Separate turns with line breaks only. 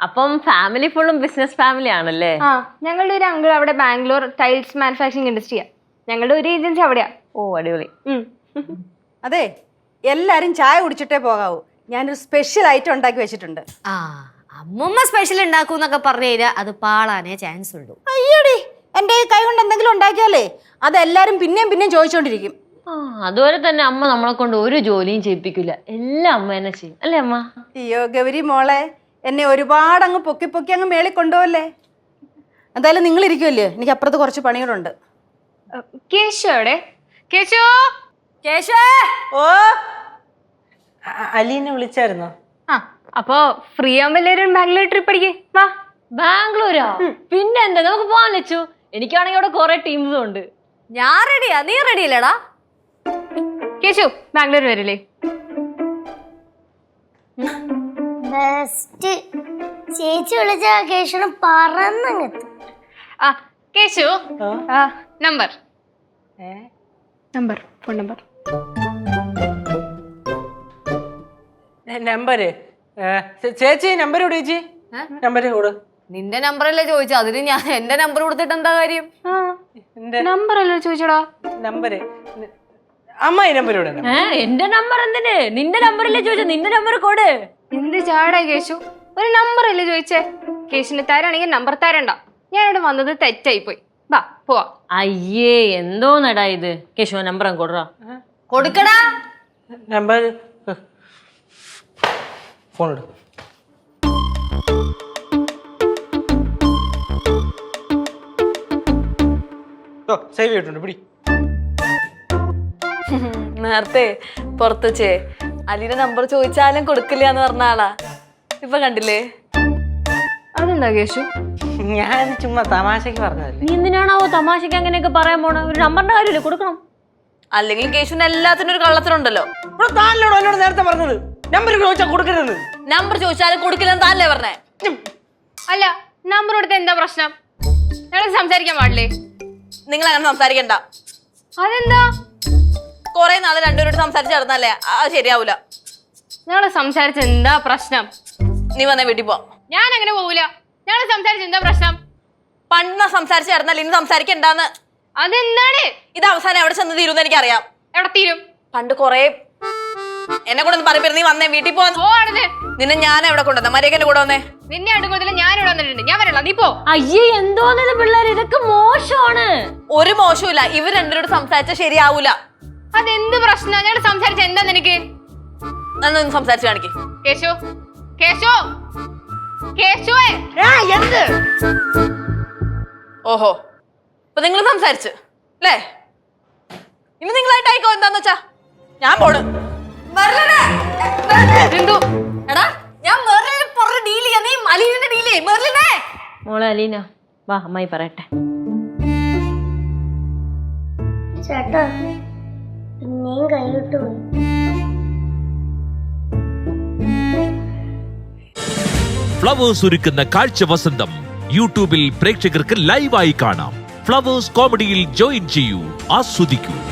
അപ്പം ഫാമിലി ഫുള്ളും business family ആണല്ലേ?
ആ, ഞങ്ങളുടെ ഒരു അങ്കിൾ അവിടെ ബാംഗ്ലൂർ ടൈൽസ് മാനുഫാക്ചറിങ് ഇൻഡസ്ട്രിയാ. ഞങ്ങളുടെ ഒരു ഏജൻസി അവിടെയാ.
ഓ അടിപൊളി.
അതെ, എല്ലാരും ചായ കുടിച്ചിട്ടേ പോകാവൂ. ഞാനൊരു സ്പെഷ്യൽ ഐറ്റം ഉണ്ടാക്കി വെച്ചിട്ടുണ്ട്.
ആ, അമ്മൂമ്മ സ്പെഷ്യൽ ഉണ്ടാക്കൂന്നൊക്കെ പറഞ്ഞു കഴിഞ്ഞാൽ അത് പാളാനേ ചാൻസ് ഉള്ളൂ.
അയ്യോടി, എന്റെ കൈ കൊണ്ട് എന്തെങ്കിലും ഉണ്ടാക്കിയാലേ അതെല്ലാരും പിന്നെയും പിന്നെയും ചോദിച്ചോണ്ടിരിക്കും.
ആ, അതുപോലെ തന്നെ അമ്മ നമ്മളെ കൊണ്ട് ഒരു ജോലിയും ചെയ്യിപ്പിക്കില്ല, എല്ലാം അമ്മ തന്നെ ചെയ്യും അല്ലേ അമ്മ?
അയ്യോ ഗൗരി മോളെ, എന്നെ ഒരുപാട് അങ്ങ് പൊക്കി പൊക്കി അങ്ങ് മേളിൽ കൊണ്ടുപോകല്ലേ. എന്തായാലും നിങ്ങൾ ഇരിക്കുമല്ലേ, എനിക്ക് അപ്പുറത്ത് കുറച്ച് പണികളുണ്ട്.
കേശു എവിടെ? കേശു,
കേശു,
ഓ,
അലീനെ വിളിച്ചായിരുന്നോ?
ആ, അപ്പൊ ഫ്രീ ആവുമ്പോ എല്ലാവരും ബാംഗ്ലൂർ ട്രിപ്പ് അടിക്കേ വാ.
ബാംഗ്ലൂരോ? പിന്നെ എന്താ, നമുക്ക് പോവാൻ വെച്ചു. എനിക്കാണെങ്കിൽ അവിടെ കുറെ ടീംസും ഉണ്ട്.
ഞാൻ റെഡിയാ, നീ റെഡി അല്ലേടാ?
കേശു ബാംഗ്ലൂർ വരില്ലേ?
ബെസ്റ്റ് ചേച്ചി വിളിച്ച കേശുന് പറന്നങ്ങെത്തും.
ആ Keshu, number number phone number
number ചേച്ചി നമ്പർ കൊടു ചേച്ചി, നമ്പർ കൊടു.
നിന്റെ നമ്പറല്ലേ ചോദിച്ചു, അതിന് ഞാൻ എന്റെ നമ്പർ കൊടുത്തിട്ട് എന്താ കാര്യം?
നമ്പർ അല്ലോ ചോദിച്ചോടാ.
നമ്പര് അമ്മായി നമ്പർ കൊടു.
എന്റെ നമ്പർ എന്തിന്? നിന്റെ നമ്പറല്ലേ ചോദിച്ചു, നിന്റെ നമ്പർ കൊടു.
എന്ത് ചാടാ കേശു, ഒരു നമ്പർ അല്ലേ ചോദിച്ചേ? കേശുന് തരാണെങ്കിൽ നമ്പർ തരണ്ട. ഞാനിവിടെ വന്നത് തെറ്റായി പോയി. വാ പോവാ.
അയ്യേ, എന്തോന്നടാ ഇത്. കേശു നമ്പർ അങ്ങ് കൊടുറാ.
കൊടുക്കടാ
നമ്പർ, ഫോൺ എടു. സേവ് ചെയ്തിട്ടുണ്ട്, പിടി.
നേരത്തെ പുറത്ത് വെച്ചേ അലീന്റെ നമ്പർ ചോദിച്ചാലും കൊടുക്കില്ല എന്ന് പറഞ്ഞ ആളാ. ഇപ്പൊ കണ്ടില്ലേ?
അതെന്താ കേശു?
ഞാൻ ചുമ്മാ തമാശക്ക് പറഞ്ഞതല്ലേ.
നീ എന്തിനാണാവോ തമാശക്ക് അങ്ങനെയൊക്കെ പറയാൻ പോണ? ഒരു നമ്പറിന്റെ കാര്യമില്ലേ, കൊടുക്കണം.
അല്ലെങ്കിൽ കേശുവിന് എല്ലാത്തിനും ഒരു കള്ളത്തിനുണ്ടല്ലോ.
താനോട് എന്നോട് നേരത്തെ പറഞ്ഞത് നമ്പർ ചോദിച്ചാൽ കൊടുക്കരുത്.
നമ്പർ ചോദിച്ചാലും കൊടുക്കില്ലെന്ന് താനല്ലേ പറഞ്ഞേ?
അല്ല, നമ്പർ കൊടുത്ത എന്താ പ്രശ്നം? ഞങ്ങൾ സംസാരിക്കാൻ പാടില്ലേ?
നിങ്ങൾ അങ്ങനെ സംസാരിക്കണ്ട.
അതെന്താ?
കൊറേ നാള് രണ്ടുപേരോട് സംസാരിച്ച് നടന്നല്ലേ, അത് ശരിയാവൂല.
ഞങ്ങള് സംസാരിച്ച എന്താ പ്രശ്നം?
നീ വന്നേ വീട്ടിൽ പോ.
ഞാൻ അങ്ങനെ പോവൂല. ഞങ്ങള് സംസാരിച്ച എന്താ പ്രശ്നം?
പണ്ട് സംസാരിച്ച് നടന്നല്ലേ, ഇനി സംസാരിക്കണ്ടാന്ന്.
അതെന്താണ്?
ഇത് അവസാനം എവിടെ ചെന്ന് തീരുമെന്ന് എനിക്കറിയാം.
എവിടെ തീരും?
പണ്ട് കൊറേ എന്നെ കൂടെ ഒന്ന് പറയപ്പെടും. നീ വന്നേ വീട്ടിൽ പോ. നിന്നെ ഞാൻ എവിടെ കൊണ്ടുവന്ന മര്യാദ കൂടെ വന്നേ.
നിന്നെ അടുക്കുന്നതിൽ ഞാൻ ഇവിടെ വന്നിട്ടുണ്ട്. ഞാൻ വരല്ല, നീ പോ.
അയ്യേ, എന്തോന്നത് പിള്ളേർ, ഇതൊക്കെ മോശമാണ്.
ഒരു മോശമില്ല, ഇവർ രണ്ടുപേരോട് സംസാരിച്ചാൽ ശരിയാവൂല.
അതെന്ത് പ്രശ്നം? ഞങ്ങൾ സംസാരിച്ച എന്താ നിനക്ക്?
എന്നൊന്ന് സംസാരിച്ച് കാണിക്ക്.
കേശു, കേശു, കേശുവേ.
ഓഹോ, ഇപ്പൊ നിങ്ങൾ സംസാരിച്ച് അല്ലേ? ഇനി നിങ്ങളായിട്ടായിക്കോ. എന്താന്ന് വെച്ചാ ഞാൻ പോണ്.
എന്തോ
എടാ, ഞാൻ മെർലിനെ പുറത്ത് ഡീൽ ചെയ്യാ, നീ അലീനെ ഡീൽ ചെയ്യ്. മെർലിനെ
മോളെ അലീന വാ, അമ്മായി പറയട്ടെ.
ചേട്ടാ പിന്നെയും കൈവിട്ടു പോയി.
ഫ്ലവേഴ്സ് ഒരുക്കുന്ന കാഴ്ച വസന്തം യൂട്യൂബിൽ പ്രേക്ഷകർക്ക് ലൈവായി കാണാം. ഫ്ലവേഴ്സ് കോമഡിയിൽ ജോയിൻ ചെയ്യൂ, ആസ്വദിക്കൂ.